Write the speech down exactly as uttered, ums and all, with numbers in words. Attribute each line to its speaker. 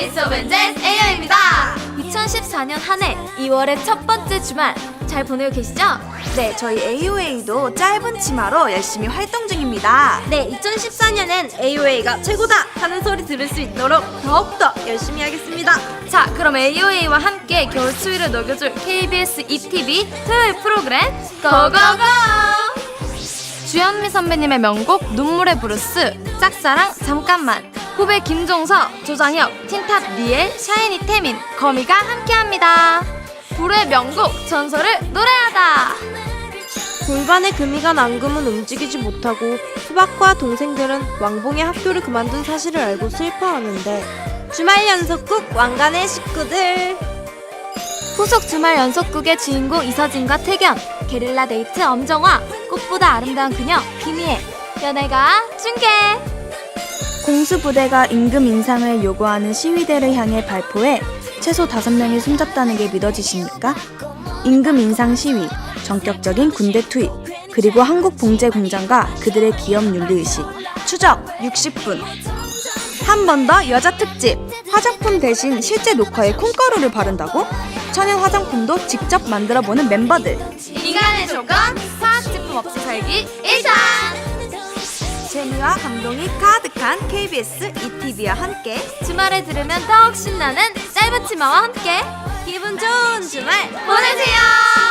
Speaker 1: 제이스 오브 제이스 에이오입니다.
Speaker 2: 이천십사 년 한 해 이월의 첫 번째 주말 잘 보내고 계시죠?
Speaker 3: 네, 저희 에이오에이도 짧은 치마로 열심히 활동 중입니다.
Speaker 1: 네, 이천십사 년엔 에이오에이가 최고다 하는 소리 들을 수 있도록 더욱더 열심히 하겠습니다.
Speaker 2: 자, 그럼 에이오에이와 함께 겨울 추위를 녹여줄 케이비에스 이티비 토요일 프로그램 고고고! 주현미 선배님의 명곡 눈물의 브루스, 짝사랑 잠깐만, 후배 김종서, 조장혁, 틴탑 리엘, 샤이니 태민, 거미가 함께합니다. 불의 명곡 전설을 노래하다.
Speaker 1: 골반에 금이가 앙금은 움직이지 못하고 수박과 동생들은 왕봉의 학교를 그만둔 사실을 알고 슬퍼하는데 주말 연속극 왕관의 식구들.
Speaker 2: 후속 주말 연속극의 주인공 이서진과 태견, 게릴라 데이트 엄정화, 꽃보다 아름다운 그녀 김희애, 연애가 중계.
Speaker 3: 공수부대가 임금 인상을 요구하는 시위대를 향해 발포해 최소 다섯 명이 숨졌다는 게 믿어지십니까? 임금 인상 시위, 전격적인 군대 투입, 그리고 한국봉제공장과 그들의 기업 윤리의식. 추적 육십 분. 한 번 더 여자 특집. 화장품 대신 실제 녹화에 콩가루를 바른다고? 천연 화장품도 직접 만들어보는 멤버들.
Speaker 2: 인간의 조건, 화학제품 없이 살기 일 상.
Speaker 3: 재미와 감동이 가득한 케이비에스 이티비와 함께
Speaker 2: 주말에 들으면 더욱 신나는 짧은 치마와 함께
Speaker 1: 기분 좋은 주말
Speaker 2: 보내세요.